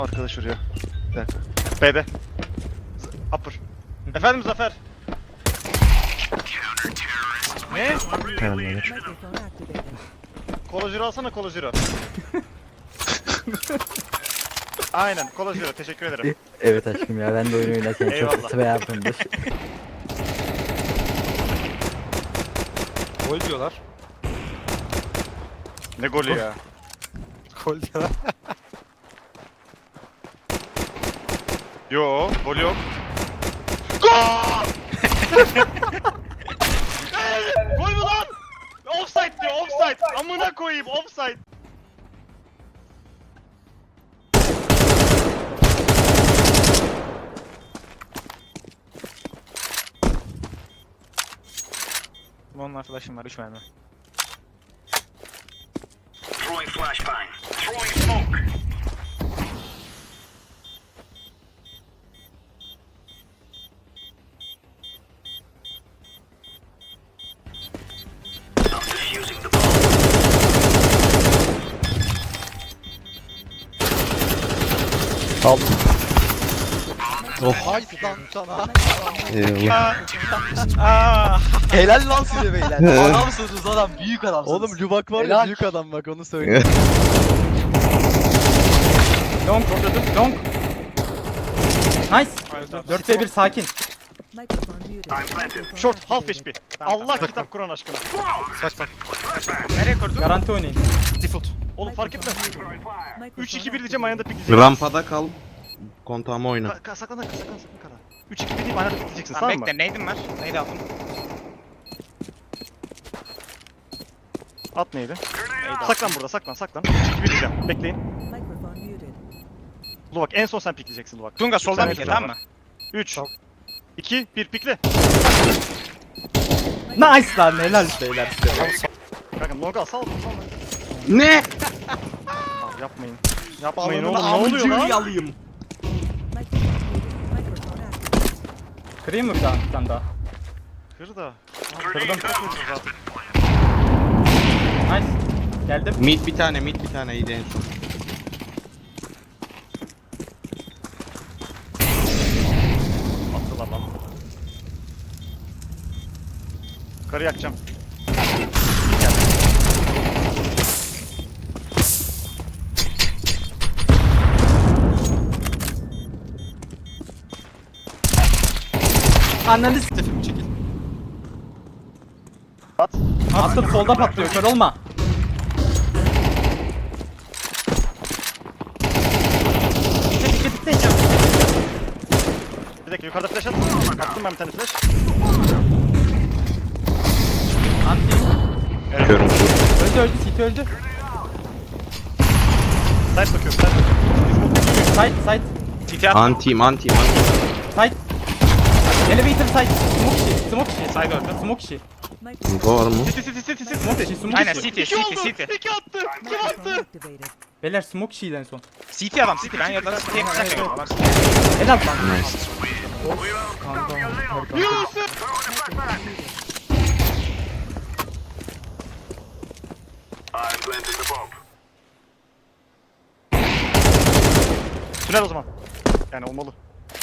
Arkadaş vuruyor. Bir dakika. B'de. Upper. Efendim Zafer. Ne? Tamamdır. Kola Zero alsana Kola Zero. Aynen Kola Zero, teşekkür ederim. Evet aşkım ya, ben de oyun oynarken çok Eyvallah. kötü yapımdır. Gol diyorlar. Ne golü ya? Gol diyorlar. Yo, gol yok. Gol! Gol mü lan? Offside diyor, offside. Amına koyayım, offside. Onun flash'ım var 3 mermi. Throwing flashbang. Throwing smoke. I'm defusing the bomb. Haydi lan sana. Helal lan size beyler. Adamsınız adam, büyük adamsınız. Oğlum Lubak var ya Helal. büyük adam bak onu söyle. Long vurdum. Long. Nice. 4v1 sakin. I'm planted. Short, half HP. Allah kitap Kur'an aşkına. Saç bak. Nereye kurdun? Garanti oynayın. Default. Oğlum fark etmez. 3-2-1 diyeceğim, ayağında pikleyeceksin. Rampada kal. Kontağıma oyna. Saklan kara. 3-2-1 diyeyim, ayağında pikleyeceksin, tamam mı? Bekle neydim var? Neydi aldım? At neydi? Saklan burada, saklan. 3-2-1 diyeceğim, bekleyin. Luvak, en son sen pikleyeceksin Luvak. Tunga soldan Bir pikle tane tamam mı? 3, 2, 1 pikle. Nice lan, helal beyler size. Kanka longa sal. Ne? Abi yapmayın. Yapmayın oğlum, Balonunu ne oluyor lan? alayım. Kırayım mı bir tane daha? Kır da. Kırdım. Nice. Geldim. Mid bir tane iyiydi en son. Attılar lan. Karı yakacağım. Ananı Tefim çekil. At. Attım, solda patlıyor, kör olma. Dikkat. Bir dakika, yukarıda flash at. Attım ben bir tane flash. Anti. Körüm. Öldü, CT öldü. Side bakıyorum. Side. TT at. Antim. Side. Elevator side. Smoke işi. Side öldü. Smoke işi. Var mı? Smoke işi. Aynen Smoke işi. CT CT. İki attı. Kim attı? Beyler smoke işiydi en son. CT adam CT. Ben yerden CT'ye kaçacağım. Helal lan. I'm planting the bomb. Tünel o zaman. Yani olmalı.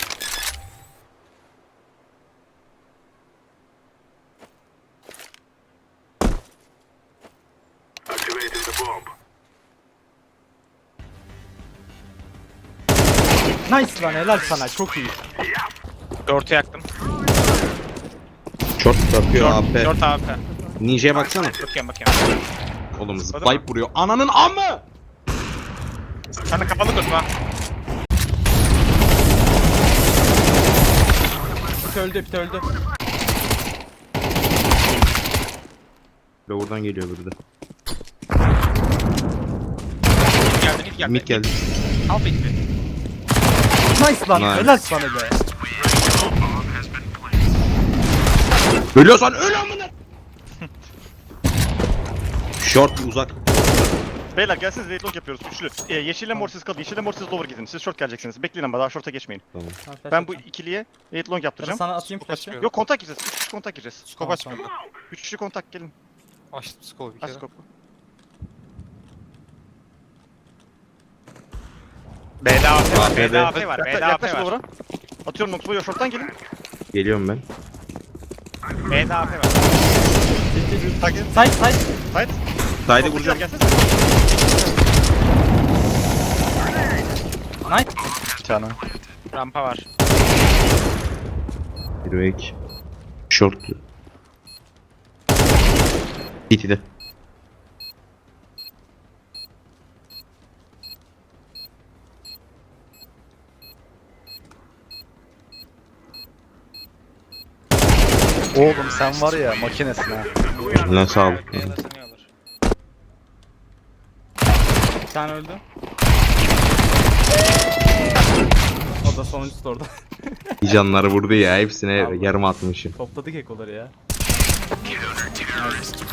Activating the bomb. Nice lan, helal sana, çok iyi. Dörtü yaktım. Short bakıyor AP. 4 AP. Ninja'ya baksana. Bakıyorum. Oğlum zıplayıp vuruyor. Ananın amı! Sen de kapalı tutma. Pit öldü. Lower'dan geliyor burada. Mid geldi. Mid geldi. Half HP. Nice lan, Nice. helal sana be. Ölüyorsan öl amına! Short uzak. Beyler gelsiniz, raid long yapıyoruz üçlü. Yeşille mor siz kalın. Yeşille mor siz lower gidin. Siz short geleceksiniz. Bekleyin ama daha short'a geçmeyin. Ben bu ikiliye raid long yaptıracağım. Sana atayım Çok flash'ı. açmıyor. Yok, kontak gireceğiz. 3 kişi kontak gireceğiz. Scope açmıyorum. 3 kişi kontak gelin. Açtım scope bir Aç kere. skopu. B'de AP var. B'de B'de AP var. B'de AP Yaklaş var. Lower'a. Atıyorum Noxbo'yu, short'tan gelin. Geliyorum ben. B'de AP var. Takip. Side side. Fight. Saydı vuracağım. Gelsene. Nice. Çana. Rampa var. Bir ve iki. Short. BT'de. Oğlum sen var ya makinesin ha. Eline sağlık. B'de sanıyorlar. Bir tane öldü. O da sonuncusu da orada. Bir canları vurdu ya. Hepsine Allah. yarım atmışım. Topladık ekoları ya.